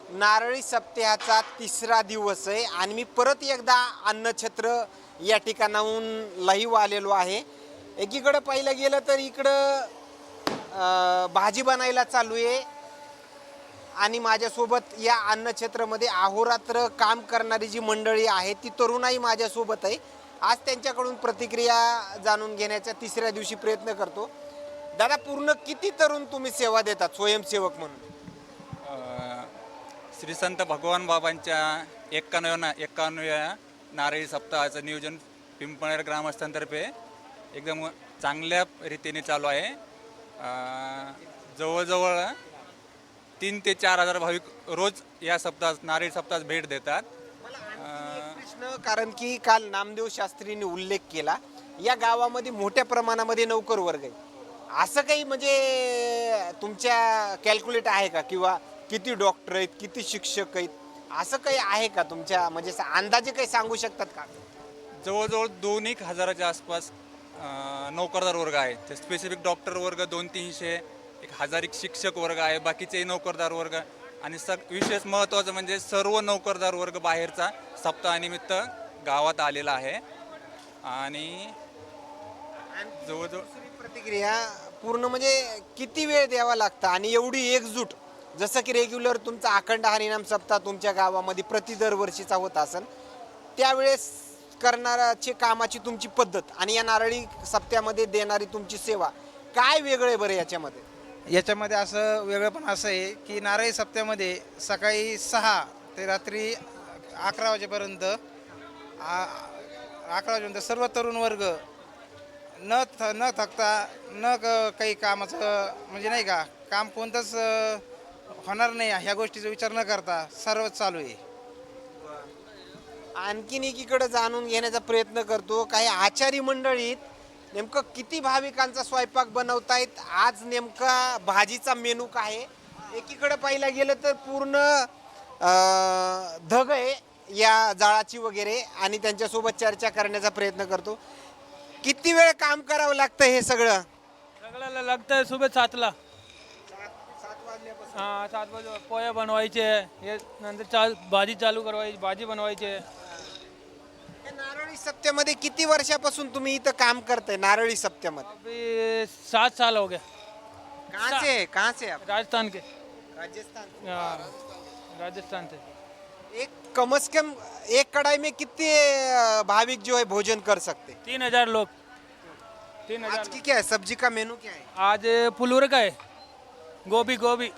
नारळी सप्ताहाचा तिसरा दिवस आहे आणि मी परत एकदा अन्नछत्र या ठिकाणाहून लाईव्ह आलेलो आहे. एकीकडं पाहिलं गेलं तर इकडं भाजी बनायला चालू आहे आणि माझ्यासोबत या अन्नछत्रमध्ये अहोरात्र काम करणारी जी मंडळी आहे ती तरुणाई माझ्यासोबत आहे. आज त्यांच्याकडून प्रतिक्रिया जाणून घेण्याचा तिसऱ्या दिवशी प्रयत्न करतो. दादा, पूर्ण किती तरुण तुम्ही सेवा देतात स्वयंसेवक म्हणून? श्री संत भगवान बाबांच्या 91व्या नारळी सप्ताहाचं नियोजन पिंपळनेर ग्रामस्थांतर्फे एकदम चांगल्या रीतीने चालू आहे. जवळजवळ 3 ते 4 हजार भाविक रोज या सप्ताहात नारळी सप्ताहात भेट देतात. प्रश्न, कारण की काल नामदेव शास्त्रींनी उल्लेख केला या गावामध्ये मोठ्या प्रमाणामध्ये नोकर वर्ग आहे. असं काही म्हणजे तुमच्या कॅल्क्युलेट आहे का, किंवा किती डॉक्टर आहेत, किती शिक्षक आहेत, असं काही आहे का तुमच्या, म्हणजे अंदाजे काही सांगू शकतात का? जवळजवळ 2-1 हजाराच्या आसपास नोकरदार वर्ग आहे. ते स्पेसिफिक डॉक्टर वर्ग 200-300, 1000 शिक्षक वर्ग आहे, बाकीचे नोकरदार वर्ग आणि विशेष महत्त्वाचं म्हणजे सर्व नोकरदार वर्ग बाहेरचा सप्ताहानिमित्त गावात आलेला आहे. आणि जवळजवळ प्रतिक्रिया पूर्ण म्हणजे किती वेळ द्यावा लागतं आणि एवढी एकजूट, जसं की रेग्युलर तुमचा अखंड हरिनाम सप्ताह तुमच्या गावामध्ये प्रति दरवर्षीचा होत असेल, त्यावेळेस करणाराची कामाची तुमची पद्धत आणि या नारळी सप्त्यामध्ये देणारी तुमची सेवा काय वेगळे बरं याच्यामध्ये? याच्यामध्ये असं वेगळं पण असं आहे की नारळी सप्त्यामध्ये सकाळी 6 ते रात्री 11 वाजेपर्यंत 11 वाजेपर्यंत सर्व तरुण वर्ग न थकता काही कामाचं म्हणजे नाही का काम कोणतंच होणार नाही ह्या गोष्टीचा विचार न करता सर्व चालू आहे. आणखीन एकीकडे जाणून घेण्याचा प्रयत्न करतो, काही आचारी मंडळीत नेमकं किती भाविकांचा स्वयंपाक बनवतायत, आज नेमका भाजीचा मेनू काय आहे. एकीकडे पाहिलं गेलं तर पूर्ण धग आहे या जाळाची वगैरे, आणि त्यांच्यासोबत चर्चा करण्याचा प्रयत्न करतो. किती वेळ काम करावं लागतं हे सगळं? सगळ्याला लागतं सुबह 7ला. 7 वाजे पोहे बनवायचे, हे नंतर भाजी चालू करवायची, भाजी बनवायचे. नारळी सप्त्यामध्ये किती वर्षापासून तुम्ही इथं काम करताय नारळी सप्त्यामध्ये? अभी 7 साल हो गए. कहाँ से आप? राजस्थान के. राजस्थान. राजस्थान से. एक कम से कम एक कढ़ाई में कितने भाविक जो है भोजन कर सकते? 3000 लोग. 3000. आज की क्या है, सब्जी का मेनू क्या है? आज फुलूर का है, गोभी.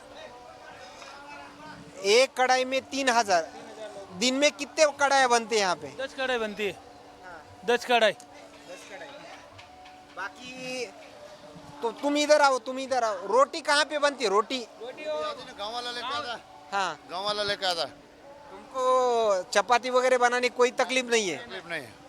एक कढ़ाई में 3000. दिन में कितने कढ़ाई बनते हैं यहाँ पे? 10 कढ़ाई बनती है. 10 कढ़ाई. बाकी तो तुम इधर आओ. रोटी कहाँ पे बनती है? रोटी गाँव वाला लेके आता. हाँ, गाँव वाला लेके आता. तुमको चपाती वगैरह बनाने कोई तकलीफ नहीं है? तकलीफ नहीं है.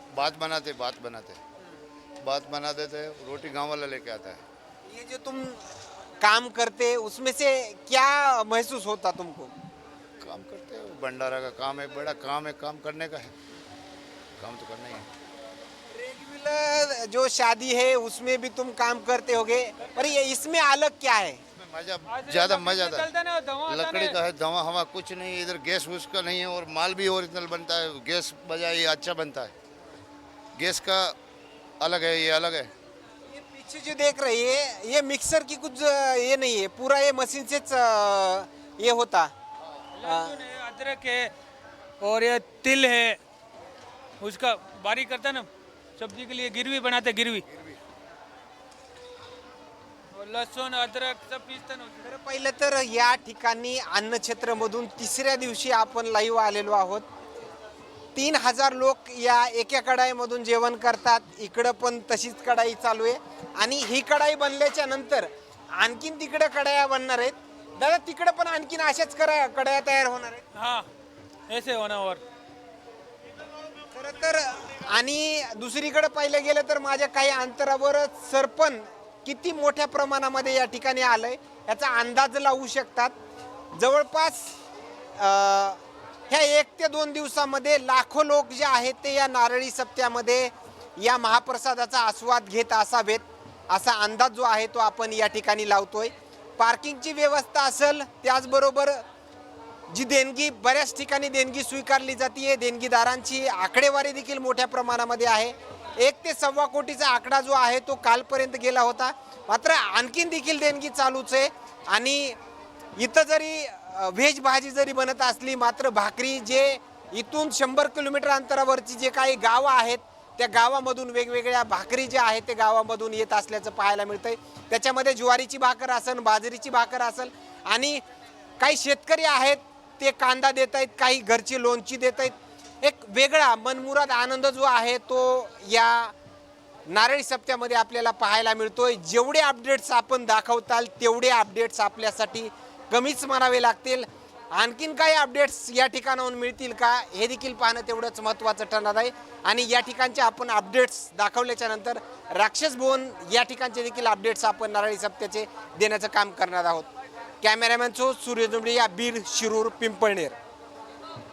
बात बनाते थे. रोटी गाँव वाला लेके आता है. ये जो तुम काम करते उसमें से क्या महसूस होता तुमको? काम करते हो, भंडारा का काम है, बड़ा काम है, काम करने का है, काम तो करना ही है. रेगुलर जो शादी है उसमें भी तुम काम करते होगे, पर ये इसमें अलग क्या है? मजा, ज़्यादा मजा आता चलता ना, धुआं है. आता लकड़ी है. का है, धुआं हवा कुछ नहीं है. इधर गैस वूस का नहीं है और माल भी ओरिजिनल बनता है. गैस बजाय ये अच्छा बनता है. गैस का अलग है, ये अलग है. ये पीछे जो देख रही है ये मिक्सर की कुछ ये नहीं है, पूरा ये मशीन से ये होता. लहसुन है, अदरक है और ये तिल है, उसका बारीक करता है ना सब्जी के लिए, गिरवी बनाते, गिरवी. और लहसुन अदरक सब पीसते ना. तर पहिलं तर या ठिकाणी अन्नछत्रमधून तिसऱ्या दिवशी आपण लाईव्ह आलेलो आहोत. 3000 लोक या एका कढाईमधून जेवण करतात. इकडं पण तशीच कढाई चालू आहे आणि ही कढाई बनल्याच्या नंतर आणखीन तिकडे कढाया बनणार आहेत. दादा, तिकडे पण आणखीन अशाच कढाया तयार होणार आहेत? हाँ, ऐसे होना. और खरं तर आणि दुसरीकडे पाहिलं गेलं तर माझ्या काही अंतरावर सरपण किती मोठ्या प्रमाणामध्ये या ठिकाणी आलंय याचा अंदाज लावू शकतात. जवळपास ह्या 1 ते 2 दिवसामध्ये लाखो लोक जे आहेत ते या नारळी सप्त्यामध्ये या महाप्रसादाचा आस्वाद घेत असावेत असा अंदाज जो आहे तो आपण या ठिकाणी लावतोय. पार्किंगची व्यवस्था असेल, त्याचबरोबर जी देणगी बऱ्याच ठिकाणी देणगी स्वीकारली जाते, देणगीदारांची आकडेवारी देखील मोठ्या प्रमाणामध्ये आहे. 1 ते 1.25 कोटीचा आकडा जो आहे तो कालपर्यंत गेला होता. मात्र आणखीन देखील देणगी चालूच आहे. आणि इथं जरी व्हेज भाजी जरी बनत असली, मात्र भाकरी जे इथून 100 किलोमीटर अंतरावरची जे काही गावं आहेत त्या गावामधून वेगवेगळ्या भाकरी ज्या आहेत ते गावामधून येत असल्याचं पाहायला मिळतंय. त्याच्यामध्ये ज्वारीची भाकर असेल, बाजरीची भाकर असेल, आणि काही शेतकरी आहेत ते कांदा देत आहेत, काही घरची लोणची देत आहेत. एक वेगळा मनमुराद आनंद जो आहे तो या नारळी सप्त्यामध्ये आपल्याला पाहायला मिळतोय. जेवढे अपडेट्स आपण दाखवताल तेवढे अपडेट्स आपल्यासाठी कमीच म्हणावे लागतील. आणखीन काही अपडेट्स या ठिकाणाहून मिळतील का हे देखील पाहणं तेवढंच महत्त्वाचं ठरणार आहे. आणि या ठिकाणचे आपण अपडेट्स दाखवल्याच्या नंतर राक्षस भवन या ठिकाणचे देखील अपडेट्स आपण नारळी सप्त्याचे देण्याचं काम करणार आहोत. कॅमेरामॅन सूर्य जुंबडे, या बीड, शिरूर, पिंपळनेर.